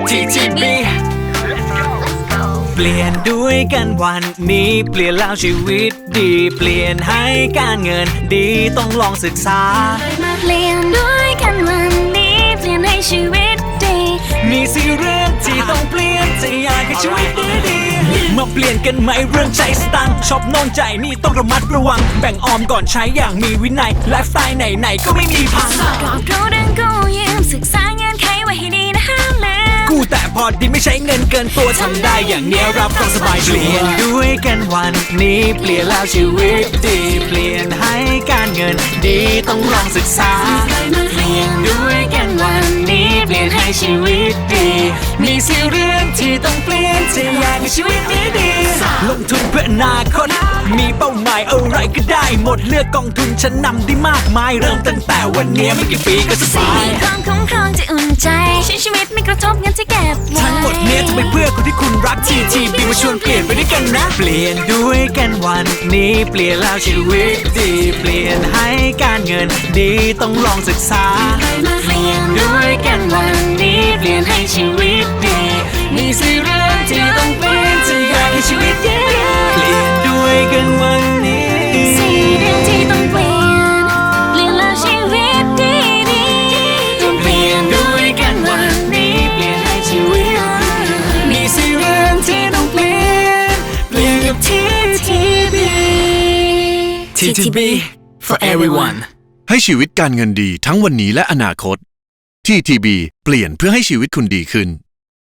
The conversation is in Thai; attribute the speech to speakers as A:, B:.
A: TTB เปลี่ยนด้วยกันวันนี้เปลี่ยนแล้วชีวิตดีเปลี่ยนให้การเงินดีต้องลองศึกษา
B: มาเปลี่ยนด้วยกันวันนี้เปลี่ยนให้ชีวิตดี
A: มีสิเรื่องที่ต้องเปลี่ยนจะอยากให้ชีวิตดีมาเปลี่ยนกันไหมเรื่องใจสตังค์ชอบโน่นใจนี่ต้องระมัดระวังแบ่งออมก่อนใช้อย่างมีวินัยไลฟ์สไตล์ไหนๆก็ไม่มีพัง
B: รอบรู้เรื่องกู้ยืมศึกษาเงื่อนไขไว้ให้ดีนะห้ามลืม
A: กู้แต่พอดีไม่ใช้เงินเกินตัวทำได้อย่างเนี้ยรับรองสบายเปลี่ยนด้วยกันวันนี้เปลี่ยนแล้วชีวิตดีเปลี่ยนให้การเงินดีต้องลองศึกษาเปลี่ยนด้วยกันวันนี้เปลี่ยนให้ชีวิตดีมีสิเรื่องที่ต้องเปลี่ยนจะอยากให้ชีวิตดีลงทุนเพื่ออนาคตมีเป้าหมายอะไรก็ได้หมดเลือกกองทุนชั้นนำได้มากมายเริ่มตั้งแต่วันนี้ไม่กี่ปีก็สบาย
B: ความคุ้มครองจะอุ่นใจใช้ชีวิตไม่กระทบเงินที่เก็บไว้
A: ทั้งหมดเนี้ยจะไปเพื่อคนที่คุณรัก TTB มาชวนเปลี่ยนไปด้วยกันนะเปลี่ยนด้วยกันวันนี้เปลี่ยนแล้วชีวิตดีเปลี่ยนให้การเงินดีต้องลองศึกษา
B: เปลี่ยนด้วยกันวันนี้เปลี่ยนให้ชีวิตดี
A: มีสิเรื่องที่ต้องเปลี่ยนจะอยากให้ชีวิตดีเปลี่ยนด้วยกันวันนี้
B: สี่เรื่องที่ต้องเปลี่ยนเปลี่ยนแล้วชีวิตดี
A: ต้องเปลี่ยนด้วยกันวันนี้เปลี่ยนให้ชีวิตมีสิเรื่องที่ต้องเปลี่ยนเปลี่ยนกับ TTB for everyone
C: ให้ชีวิตการเงินดีทั้งวันนี้และอนาคต TTB เปลี่ยนเพื่อให้ชีวิตคุณดีขึ้น